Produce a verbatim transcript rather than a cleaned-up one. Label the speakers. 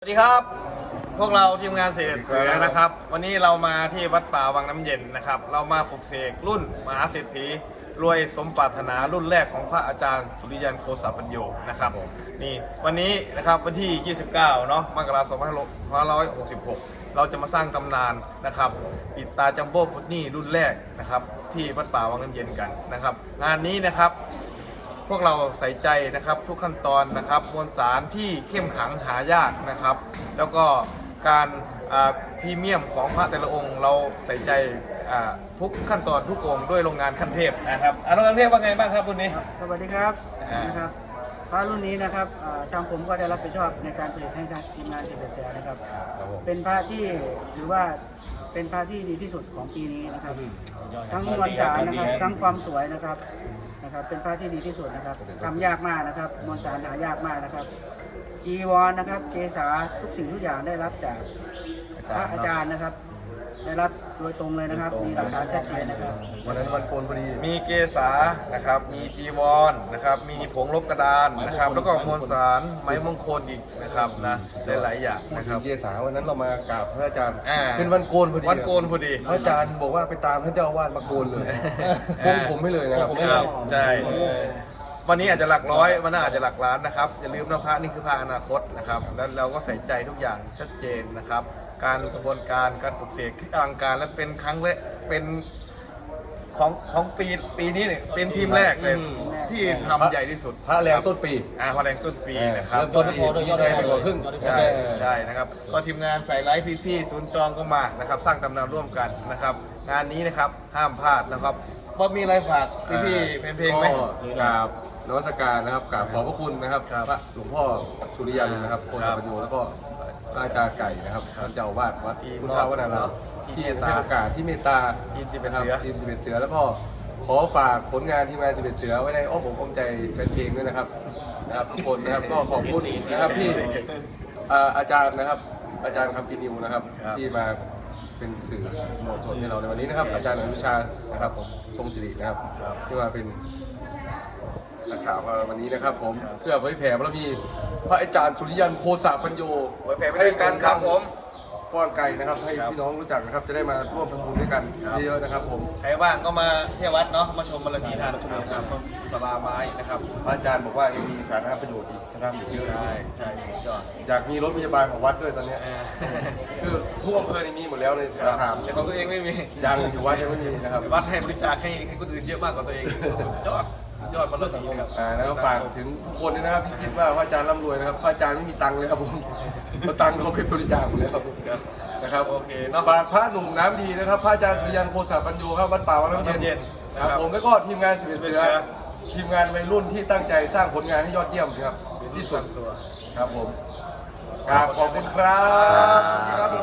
Speaker 1: สวัสดีครับพวกเราทีมงานเสด็จเสือนะครับวันนี้เรามาที่วัดป่าวังน้ำเย็นนะครับเรามาปลุกเสกรุ่นมหาเศรษฐีรวยสมปรารถนารุ่นแรกของพระอาจารย์สุริยันโคสปัญโยนะครับนี่วันนี้นะครับวันที่ยี่สิบเก้าเนาะมกราคมสองพันห้าร้อยหกสิบหกเราจะมาสร้างตำนานนะครับปิดตาจัมโบ้พุทนี่รุ่นแรกนะครับที่วัดป่าวังน้ำเย็นกันนะครับงานนี้นะครับพวกเราใส่ใจนะครับทุกขั้นตอนนะครับมวลสารที่เข้มขังหายากนะครับแล้วก็การพรีเมียมของพระแต่ละองค์เราใส่ใจทุกขั้นตอนทุกองค์ด้วยโรงงานขั้นเทพนะครับอาโรงงานเทพว่าไงบ้างครับรุ่นนี้
Speaker 2: สวัสดีครับนะครับพระรุ่นนี้นะครับทางผมก็ได้รับผิดชอบในการผลิตให้ทางทีมงานเสด็จเสือนะครับเป็นพระที่ถือว่าเป็นพระที่ดีที่สุดของปีนี้นะครับทั้งมวลสารนะครับทั้งความสวยนะครับนะครับเป็นพระที่ดีที่สุดนะครับทำยากมากนะครับมวลสารหายากมากนะครับจีวรนะครับเกศาทุกสิ่งทุกอย่างได้รับจากพระอาจารย์นะครับได้รับโดยตรงเลยนะครับมีหลักฐานชัดเจนนะครับ
Speaker 3: วันนั้นวันโกนพอดี
Speaker 1: มีเกศานะครับมีจีวรนะครับมีผงลบกระดานนะครับแล้วก็มวลสารไม้มงคลอีกนะครับนะหลายๆอย่างนะครับ
Speaker 3: เกศาวันนั้นเรามากราบพระอาจารย์เป็น
Speaker 1: วั
Speaker 3: นโกนพอดี
Speaker 1: วันโกนพอดี
Speaker 3: พระอาจารย์บอกว่าไปตามท่านเจ้าอาวาสมาโกนเลยพงผมไม่เลยนะครับ
Speaker 1: ใช่วันนี้อาจจะหลักร้อยวันหน้าอาจจะหลักล้านนะครับอย่าลืมนะพระนี่คือพระอนาคตนะครับแล้วเราก็ใส่ใจทุกอย่างชัดเจนนะครับการกระบวนการการปลุกเสกที่อลังการและเป็นครั้งแรกเป็นของของปีปีนี้เนี่ยเป็นทีมแรกเลยที่ทำใหญ่ที่สุด
Speaker 3: พระแรงต้นปี
Speaker 1: อ่าพระแรงต้นปีนะครับ
Speaker 3: ต้นปีที่ใช้ไปกว่าครึ่ง
Speaker 1: ใช่ใช่นะครับก็ทีมงานใส่ไลฟ์พี่ๆศูนย์จองก็มานะครับสร้างตำนานร่วมกันนะครับงานนี้นะครับห้ามพลาดนะครับว่ามีอะไรฝากพี่ๆเพลงเพลงไหม
Speaker 3: กราบนวัตการนะครับกราบขอบพระคุณนะครับพระหลวงพ่อสุริยันนะครับโคสปัญโยแล้วก็พระอาจารย์ไก่นะครับท่านเจ้าอาวาสวัดพุทธวนาราที่ให้โอกาสที่เมตตา
Speaker 1: ทีมสิบเอ็ด
Speaker 3: เสือทีมสิบเอ็ดเสือแล้วก็ขอฝากผลงานทีมงานสิบเอ็ดเสือไว้ในอ้อมอกอ้อมใจเป็นเพลงด้วยนะครับนะครับทุกคนนะครับก็ขอบคุณนะครับที่อาจารย์นะครับอาจารย์คำปีนิวนะครับที่มาเป็นสื่อมวลชนให้เราในวันนี้นะครับอาจารย์อนุชานะครับผมทรงศิรินะครับที่มาเป็นนักข่าววันนี้นะครับผมเพื่อเผยแผ่บารมีพระอาจารย์สุริยันโคสปัญโย
Speaker 1: เผยแผ่ไปด้วยกันครับผม
Speaker 3: ก้อนไก่นะครับให้พี่น้องรู้จักนะครับจะได้มาร่วมทำบุญด้วยกันเยอะๆนะครับผม
Speaker 1: ใครว่างก็มาเที่ยววัดเนาะมาชมบารมีทานชมนะครับสลาไม้นะครับ
Speaker 3: พระอาจารย์บอกว่ายังมีสาธารณประโยชน์อีกนะครับเยอะ
Speaker 1: ใช่ใช่ยอด
Speaker 3: อยากมีรถพยาบาลของวัดด้วยตอนนี้คือทุกอำเภอนี่มีหมดแล้วในสาขา
Speaker 1: แต่ของตัวเองไม่มี
Speaker 3: ยังอยู่วัดยังไม่มีนะครับ
Speaker 1: วัดให้บริจาคให้ให้คนอื่นเยอะมากกว่าตัวเองยอดสุดยอดบารมีนะครับ
Speaker 3: อ่าแล้วก็ฝากถึงทุกคนนะครับที่คิดว่าพระอาจารย์ร่ำรวยนะครับพระอาจารย์ไม่มีตังค์เลยครับผมเอาตังค์เขาไปบริจาคหมดแล้วนะครับ
Speaker 1: โอเคเนาะ
Speaker 3: ฝากพระหนุ่มน้ำดีนะครับพระอาจารย์สุริยันโคสปัญโยครับวัดป่าวังน้ำเย็นครับผมแล้วก็ทีมงานสิบเอ็ดเสือทีมงานวัยรุ่นที่ตั้งใจสร้างผลงานให้ยอดเยี่ยมครับที่สุด
Speaker 1: ตัว
Speaker 3: ครับผมขอบคุณครับ